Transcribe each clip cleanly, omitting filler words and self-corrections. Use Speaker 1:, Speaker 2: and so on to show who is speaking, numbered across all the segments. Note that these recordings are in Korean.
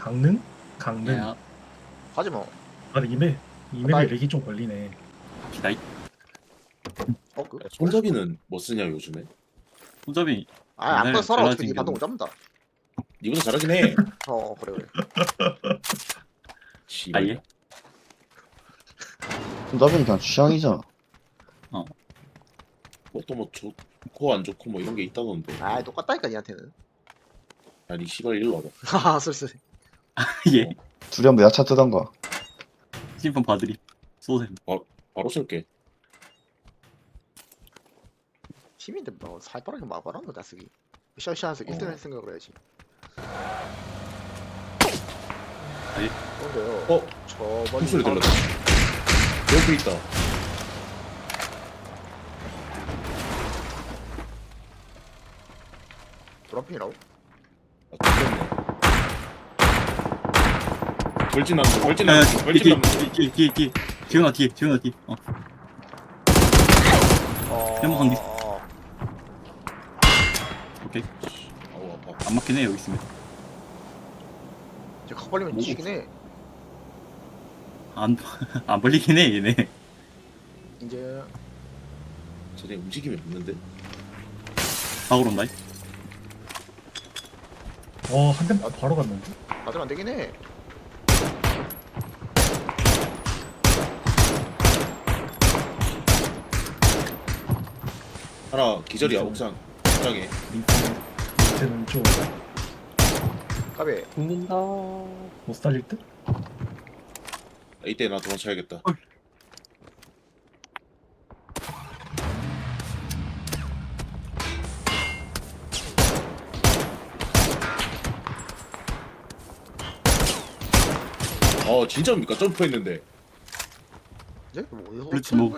Speaker 1: 강릉? 강릉.
Speaker 2: 야,
Speaker 3: 하지 뭐.
Speaker 1: 아, 근데 이맵에
Speaker 3: 나이-
Speaker 1: 렉이 좀 걸리네.
Speaker 2: 기다이.
Speaker 3: 그?
Speaker 4: 손잡이는 뭐 쓰냐 요즘에?
Speaker 2: 손잡이.
Speaker 3: 아, 안
Speaker 2: 옛날에
Speaker 3: 꺼서 살아. 어차피
Speaker 2: 잘라진
Speaker 3: 니 반동
Speaker 2: 게
Speaker 3: 못 잡는다.
Speaker 4: 니보다 잘하긴 해.
Speaker 3: 그래, 그래.
Speaker 4: 씨발.
Speaker 2: 아예?
Speaker 5: 손잡이는 그냥 취향이잖아.
Speaker 4: 뭐또 뭐 좋고 안 좋고 뭐 이런 게 있다던데.
Speaker 3: 아, 똑같다니까, 니한테는.
Speaker 4: 아니 씨발 일로 와봐.
Speaker 3: 하하, 쓸쓸해.
Speaker 2: 예.
Speaker 5: 둘이 한번 야차 뜨던가.
Speaker 2: 심판 봐드리. 쏘셈.
Speaker 4: 바로 쏠게.
Speaker 3: 팀인데 뭐, 살빠르게 막아라, 너 나쓰기. 샤샤해서 1등 할 생각을 해야지.
Speaker 2: 아니.
Speaker 3: 근데요. 저 멀리
Speaker 4: 숨소리
Speaker 3: 사람-
Speaker 4: 들렸다. 옆에 있다.
Speaker 3: 드럼핑이라고?
Speaker 4: 아, 죽겠네. 벌진 남자, 벌진
Speaker 2: 야,
Speaker 4: 남자, 벌진 남자.
Speaker 2: 뒤에. 지훈아 뒤에. 해먹은 뒤. 오케이.
Speaker 4: 아우 아파.
Speaker 2: 안 맞긴 해 여기 있으면.
Speaker 3: 이제 각 벌리면
Speaker 2: 뭐?
Speaker 3: 지긴 해.
Speaker 2: 안 벌리긴 해 얘네.
Speaker 3: 이제,
Speaker 4: 쟤네 움직임이 없는데?
Speaker 2: 박으로 온다.
Speaker 1: 한 대 바로 갔는데?
Speaker 3: 맞으면 안 되긴 해.
Speaker 4: 하나 기절이야 옥상. 옥상에.
Speaker 1: 밑에는 좀
Speaker 3: 까베.
Speaker 6: 죽는다.
Speaker 1: 못 살릴 듯?
Speaker 4: 이때 나 도망쳐야겠다. 진짜입니까? 점프했는데.
Speaker 3: 이제? 뭐, 어디서
Speaker 2: 그렇지, 뭐.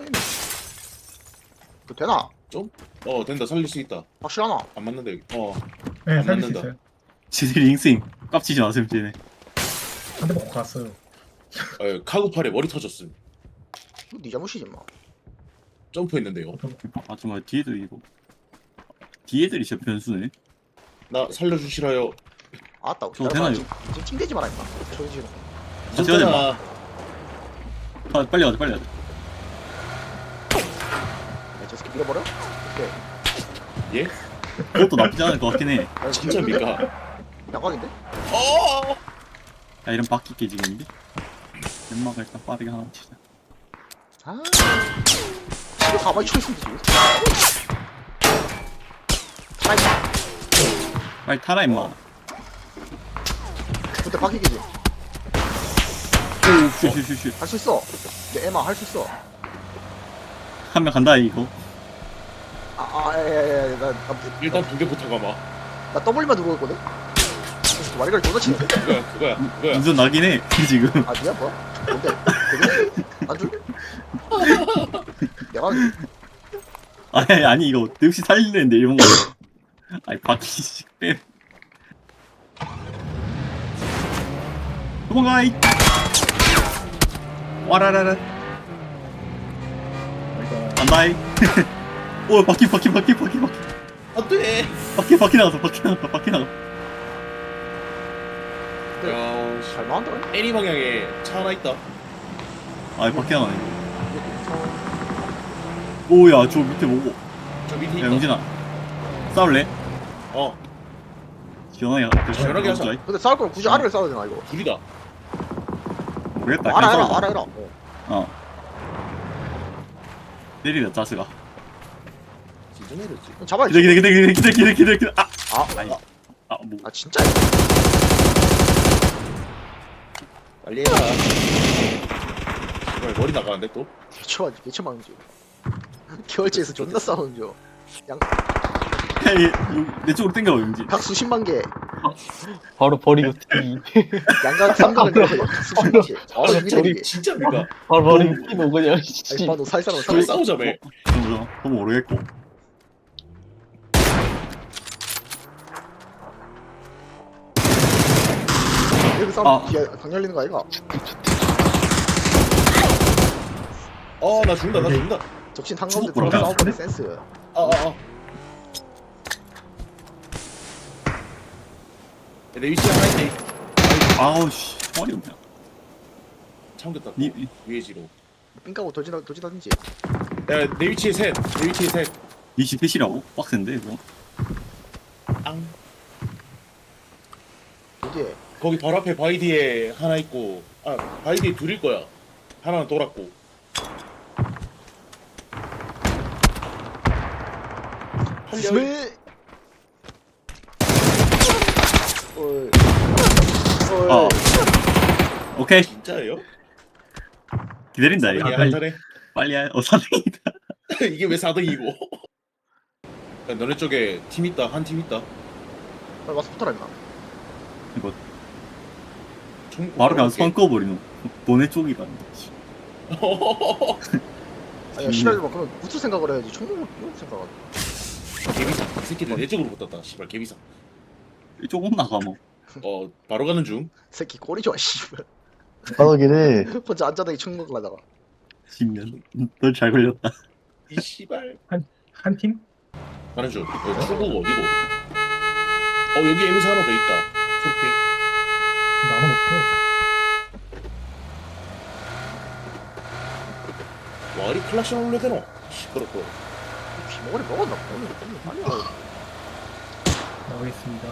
Speaker 3: 그 되나?
Speaker 4: 된다. 살릴 수 있다.
Speaker 3: 확실하나?
Speaker 4: 안 맞는다 여기.
Speaker 1: 네,
Speaker 4: 안
Speaker 1: 살릴 수
Speaker 4: 맞는다.
Speaker 1: 있어요.
Speaker 2: 지들이 잉스ing 깝치지 마세요 쟤네.
Speaker 1: 한 대 먹고 갔어요.
Speaker 4: 카구팔에 머리 터졌음.
Speaker 3: 이거 니 잘못이지, 뭐.
Speaker 4: 점프했는데요.
Speaker 2: 아 정말 뒤에도 이거. 뒤에들이 진짜 변수네.
Speaker 4: 나 살려주시라요.
Speaker 3: 아따,
Speaker 2: 저거 되나요?
Speaker 3: 지금 찡대지 마라, 임마. 저기 지금.
Speaker 2: 같이 가자,
Speaker 4: 있었잖아.
Speaker 2: 아, 빨리 가자.
Speaker 3: 야, 저 새끼 밀어버려? 오케이.
Speaker 4: 예?
Speaker 2: 그것도 나쁘지 않을 것 같긴 해.
Speaker 3: 야,
Speaker 4: 진짜입니까?
Speaker 3: 양각인데?
Speaker 2: 야 이런 바퀴 깨지겠는데? 연막을 일단 빠르게 하나 치자.
Speaker 3: 아, 이거 가만히 쳐있으면 되지. 타이다.
Speaker 2: 빨리 타라 임마.
Speaker 3: 그때 바뀌기지.
Speaker 2: 슛.
Speaker 3: 할 수 있어. 내 에마 할 수 있어.
Speaker 2: 한 명 간다 이거.
Speaker 4: 일단 붕대부터 가마.
Speaker 3: 나 W만 누르고 있거든? 와리가리 존나 치네.
Speaker 4: 그거야.
Speaker 2: 운전 나긴 해 지금.
Speaker 3: 아, 니야, 뭐야? 뭔데? 되게? 안 줄래? 내가,
Speaker 2: 아니 이거 역시 살리는데 이런 거. 아니 바퀴 빼. 도망가 이. 와라라라. 간다이. 오 바퀴.
Speaker 4: 안돼.
Speaker 2: 바퀴 나갔어.
Speaker 4: 야,
Speaker 3: 잘 나온다.
Speaker 4: 애니 방향에 차 하나 있다.
Speaker 2: 아 바퀴 나가네. 오야 저 밑에 뭐고?
Speaker 4: 저 밑에
Speaker 2: 야
Speaker 4: 있다.
Speaker 2: 영진아 싸울래?
Speaker 4: 어,
Speaker 2: 시원하게
Speaker 4: 하자.
Speaker 3: 근데 싸울 거면 굳이 아래를 싸워야 되나, 이거?
Speaker 4: 둘이다.
Speaker 2: 모르겠다.
Speaker 3: 알아,
Speaker 2: 그냥
Speaker 3: 해라,
Speaker 2: 싸우자.
Speaker 3: 알아, 해라.
Speaker 2: 어. 내리다 짜스가.
Speaker 4: 진짜 내렸지.
Speaker 3: 잡아야지.
Speaker 2: 기다려.
Speaker 3: 아,
Speaker 2: 아니. 뭐.
Speaker 3: 아, 진짜?
Speaker 4: 빨리 해라. 정말 머리 나가는데 또?
Speaker 3: 개처 막는 줄. 겨울지에서 존나 싸우는 줄.
Speaker 2: 내 쪽으로 땡겨봐 용진.
Speaker 3: 각 수십만 개.
Speaker 6: 바로 버리고 튀.
Speaker 3: 양각 삼각을 내가 각 수십만 개.
Speaker 4: 저기 진짜입니까?
Speaker 6: 바로 버리고 튀노 그냥.
Speaker 3: 아니,
Speaker 6: 씨.
Speaker 3: 봐, 너 살살하면
Speaker 4: 저기
Speaker 3: 살살.
Speaker 4: 싸우자며.
Speaker 2: 그건 모르겠고.
Speaker 3: 여기 싸우면 뒤에 강 열리는 거 아이가?
Speaker 4: 나 죽는다.
Speaker 3: 적신 한가운데
Speaker 2: 죽었구나.
Speaker 3: 들어가 싸워버린 센스.
Speaker 4: 내 위치 하나 있네.
Speaker 2: 아우 씨 총알이 없냐.
Speaker 4: 참겼다.
Speaker 2: 니
Speaker 4: 유해지로.
Speaker 3: 삥 까고 도지다든지.
Speaker 4: 야, 내 위치에 셋. 내 위치에 셋.
Speaker 2: 니시 펫이라고? 빡센데 이거.
Speaker 4: 앙.
Speaker 3: 어디에?
Speaker 4: 거기 바로 앞에 바이디에 하나 있고, 아 바이디에 둘일 거야. 하나는 돌았고. 활력.
Speaker 3: 스멜. 어이.
Speaker 2: 어.
Speaker 3: 어이.
Speaker 2: 오케이
Speaker 4: 진짜예요?
Speaker 2: 기다린다 이거.
Speaker 4: 야, 한잔해.
Speaker 2: 빨리 해. 사등이다.
Speaker 4: 이게 왜 4등이고? 야, 너네 쪽에 팀 있다. 한 팀 있다.
Speaker 3: 빨리 와서 붙어라 임마.
Speaker 2: 이거
Speaker 4: 총
Speaker 2: 바로 그냥 선 꺼버리노. 보내 쪽이라는 거지.
Speaker 3: 아야 시랄 막 그러면 붙을 생각을 해야지. 총을 생각을.
Speaker 4: 개비상. 이 새끼들 내 쪽으로 붙었다. 씨발 개비상.
Speaker 2: 조금 나가 뭐.
Speaker 4: 바로 가는 중.
Speaker 3: 새끼 꼬리 좋아 씨발.
Speaker 5: 빠르긴 해.
Speaker 3: 혼자 앉아다니 총 먹으려다가.
Speaker 2: 10년. 널 잘 걸렸다.
Speaker 4: 이 씨발.
Speaker 1: 한 팀?
Speaker 4: 가는 중. 여기 출구가 어디고? 여기 에미사 하나 더 있다. 초록핑.
Speaker 1: 나눠 먹고.
Speaker 4: 와, 이 클락션 올려야 되노? 시끄럽고.
Speaker 3: 비먹으리 먹었나? 오늘 빨리 와.
Speaker 1: 나오겠습니다.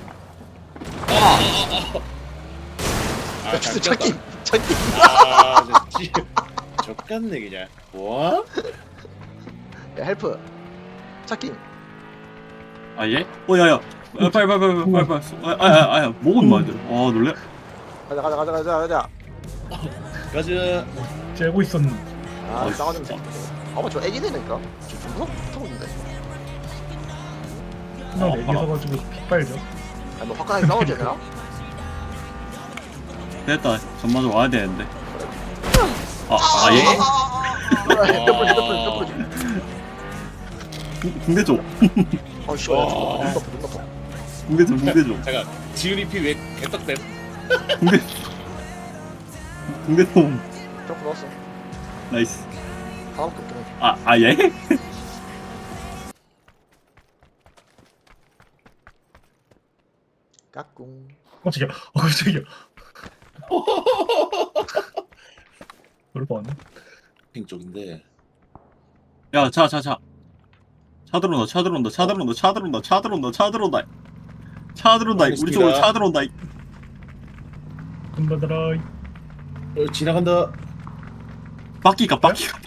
Speaker 4: 아,
Speaker 3: 야 진짜 찾기.
Speaker 4: 적같네 그냥. 뭐?
Speaker 3: 야 헬프. 찾기.
Speaker 2: 아 예? 야야. 빨리. 아야 목은 많이 들어. 아 놀래.
Speaker 3: 가자.
Speaker 4: 가자.
Speaker 1: 째고 있었는데.
Speaker 3: 아 싸가는 새끼. 아마 저 애기네니까. 좀 무섭고 있는데.
Speaker 1: 그냥 내기 서가지고 피 빨죠.
Speaker 3: 아니 뭐 화끈하게 싸워야 되나?
Speaker 2: 됐다. 전마저 와야 되는데. 예?
Speaker 3: 헤드풀.
Speaker 2: 붕대 줘.
Speaker 3: 아 씨발.
Speaker 4: 와.
Speaker 3: 눈 덮어.
Speaker 2: 붕대 줘.
Speaker 4: 잠깐. 지훈이 피왜 개떡댐?
Speaker 2: 붕대 좀.
Speaker 3: 점프 넣었어.
Speaker 2: 나이스.
Speaker 3: 하나밖에 없긴 해.
Speaker 2: 예?
Speaker 3: 까꿍.
Speaker 1: 깜짝이야. 깜짝이야. 그럴 뻔했네.
Speaker 4: 핑 쪽인데.
Speaker 2: 야, 차 들어온다. 우리 쪽으로 차 들어온다.
Speaker 1: 금바다라.
Speaker 4: 지나간다.
Speaker 2: 바퀴가.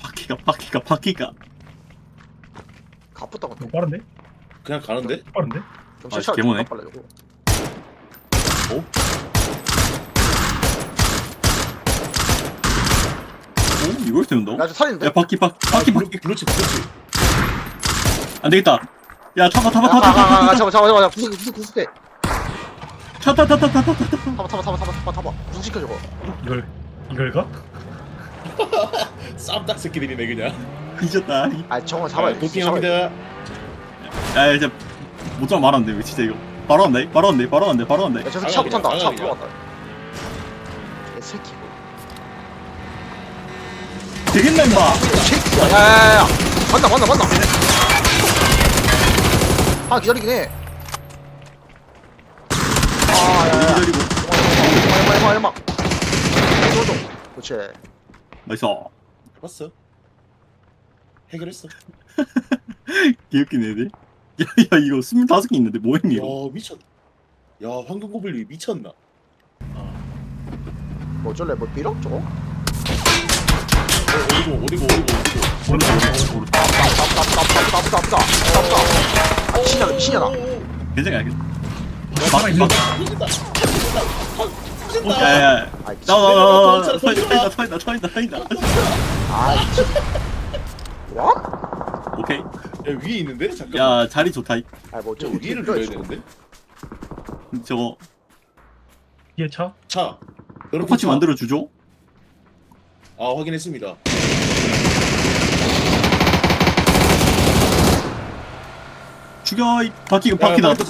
Speaker 3: 가쁘다고.
Speaker 1: 너무 빠른데?
Speaker 4: 그냥 가는데?
Speaker 1: 빠른데?
Speaker 3: 좀
Speaker 2: 아,
Speaker 3: 실차가
Speaker 2: 개모네.
Speaker 3: 좀 빨라지고.
Speaker 2: 오, 이걸 세운다고?
Speaker 3: 야, 저 살인데?
Speaker 2: 야, 바퀴.
Speaker 4: 그렇지.
Speaker 2: 안 되겠다. 야, 타봐.
Speaker 3: 잠깐만. 구속해.
Speaker 2: 타.
Speaker 3: 타봐. 구속시켜 저거.
Speaker 1: 이걸 가?
Speaker 4: 쌈딱 새끼들이네 그냥.
Speaker 2: 뒤졌다.
Speaker 3: 아, 저거 잡아야 돼.
Speaker 4: 도핑합니다.
Speaker 2: 야, 이제 못좀 말았는데 왜 진짜 이거. 바로 한다.
Speaker 3: 야, 저 새끼 차 못한다. 차
Speaker 4: 나가야
Speaker 3: 들어갔다. 개 새끼.
Speaker 2: 되겠나 임마.
Speaker 3: 새끼야. 야. 만나. 아, 기다리긴 해. 야.
Speaker 2: 기다리고.
Speaker 3: 얼마. 그렇지.
Speaker 2: 나이스.
Speaker 4: 봤어? 해결했어.
Speaker 2: 개웃긴 애들. 야, 이거 25개 있는데 뭐했니 이거?
Speaker 4: 야 미쳤. 야 황금 고블린 미쳤나?
Speaker 3: 뭐 어쩔래? 뭐 빌어? 저거?
Speaker 4: 어디고.
Speaker 2: 오른쪽.
Speaker 3: 아프다. 아, 미친년아.
Speaker 2: 괜찮아.
Speaker 1: 살아있는
Speaker 2: 막. 야.
Speaker 3: 아, 미친.
Speaker 2: 나와. 서인다.
Speaker 3: 아, 미친. 와?
Speaker 2: 오케이.
Speaker 4: 야 위에 있는데? 잠깐.
Speaker 2: 야, 자리 좋다.
Speaker 3: 아, 뭐
Speaker 4: 저
Speaker 3: 어쩌고
Speaker 4: 위를
Speaker 3: 빌어,
Speaker 4: 눌러야
Speaker 3: 저거.
Speaker 4: 되는데?
Speaker 2: 저거
Speaker 1: 뒤에 차?
Speaker 4: 차. 여러분
Speaker 2: 똑같이
Speaker 4: 차.
Speaker 2: 만들어 주죠.
Speaker 4: 아 확인했습니다.
Speaker 2: 죽여. 이 바퀴 나왔다.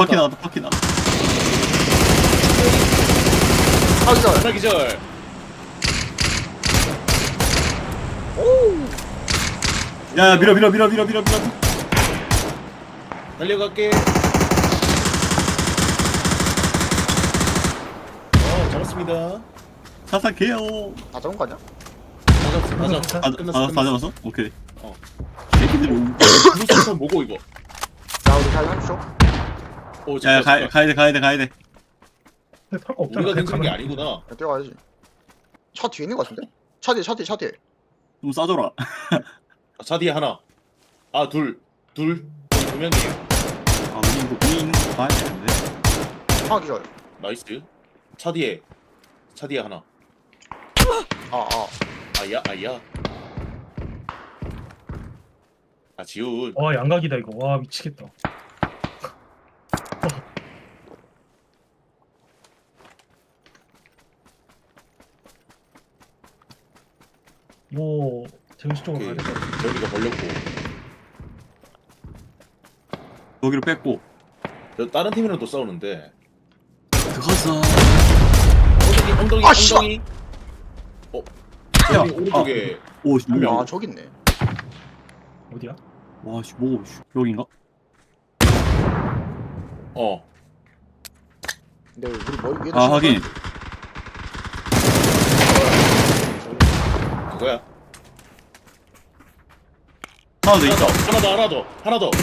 Speaker 3: 아, 기다려.
Speaker 4: 하나 기절.
Speaker 2: 야, 밀어.
Speaker 4: 달려갈게. 잡았습니다. 있습니다.
Speaker 2: 사사게요.
Speaker 3: 다 잡은 거 아니야?
Speaker 4: 다 잡았어.
Speaker 2: 다
Speaker 4: 끝났어.
Speaker 2: 잡았어? 오케이.
Speaker 4: 어.
Speaker 2: 새끼들 오.
Speaker 4: 블루스턴 뭐고 이거?
Speaker 3: 자 우리 잘 한쇼.
Speaker 4: 오,
Speaker 2: 야,
Speaker 4: 잠깐,
Speaker 2: 가야 돼.
Speaker 1: 근데 탈거 없잖아.
Speaker 4: 우리가 댕기는 게
Speaker 1: 가면-
Speaker 4: 아니구나.
Speaker 3: 야, 뛰어가야지. 차 뒤에 있는 거 같은데? 차 뒤에.
Speaker 2: 좀 싸줘라.
Speaker 4: 차 뒤에 하나. 아, 둘 명이에요.
Speaker 2: 아, 우리 있는 거 봐야 되는데.
Speaker 3: 하나 기절.
Speaker 4: 나이스. 차 뒤에 하나.
Speaker 3: 아.
Speaker 4: 아야. 아, 지훈.
Speaker 1: 와 양각이다 이거. 와 미치겠다. 이거 재밌을 쪽으로 가야
Speaker 4: 오케이.
Speaker 1: 될 것 같아.
Speaker 4: 재훈이가 걸렸고.
Speaker 2: 여기로 뺐고.
Speaker 4: 저 다른 팀이랑 또 싸우는데.
Speaker 2: 그거서.
Speaker 4: 엉덩이.
Speaker 3: 아, 씨발!
Speaker 4: 어. 재훈이
Speaker 2: 야,
Speaker 4: 오른쪽에
Speaker 2: 오, 씨,
Speaker 4: 한 명.
Speaker 2: 뭐야.
Speaker 3: 아 저기 있네.
Speaker 1: 어디야?
Speaker 2: 와, 씨, 뭐, 씨, 여긴가?
Speaker 4: 어.
Speaker 3: 근데 우리 머리 위에다.
Speaker 2: 아,
Speaker 3: 씌워
Speaker 2: 하긴.
Speaker 3: 놔야지.
Speaker 4: 그거야.
Speaker 2: 하나 더 있다.
Speaker 4: 하나 더.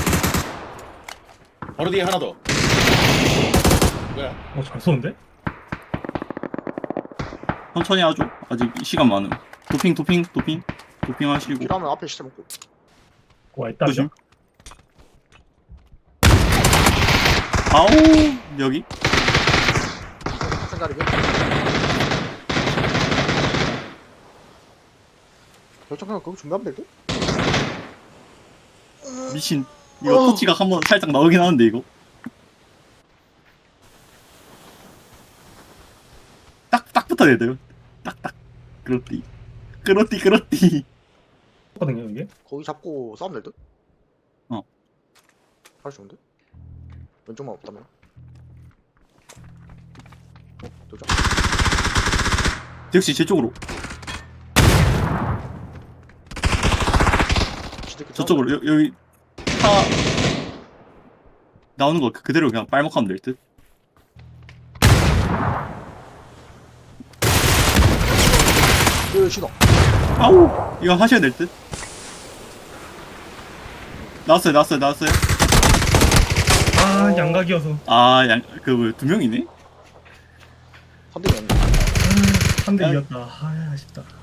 Speaker 4: 바로 뒤에 하나 더. 그거야.
Speaker 1: 잘 쏘는데?
Speaker 2: 천천히 하죠. 아직 시간 많음. 도핑 하시고.
Speaker 3: 필요하면 앞에 시체 먹고.
Speaker 1: 와 있다.
Speaker 2: 조심. 아우, 여기.
Speaker 3: 생각이. 결정하면 그거 준비하면 될 듯?
Speaker 2: 미친. 이거 터치가 한번 살짝 나오긴 하는데, 이거. 딱 붙어야 돼요. 딱딱. 그렇디.
Speaker 1: 거든요 이게.
Speaker 3: 거기 잡고 싸우면 될 듯?
Speaker 2: 어.
Speaker 3: 할 수 있는데? 왼쪽만 없다면? 도전.
Speaker 2: 역시 제 쪽으로.
Speaker 3: 지들끼리
Speaker 2: 저쪽으로. 여기. 차. 나오는 거 그대로 그냥 빨먹하면 될 듯.
Speaker 3: 싸우면 신호.
Speaker 2: 아우, 이거 하셔야 될 듯. 나왔어요.
Speaker 1: 아 양각이어서.
Speaker 2: 아, 두 명이네?
Speaker 3: 3등이 없네.
Speaker 1: 한 대 이겼다. 아 아쉽다.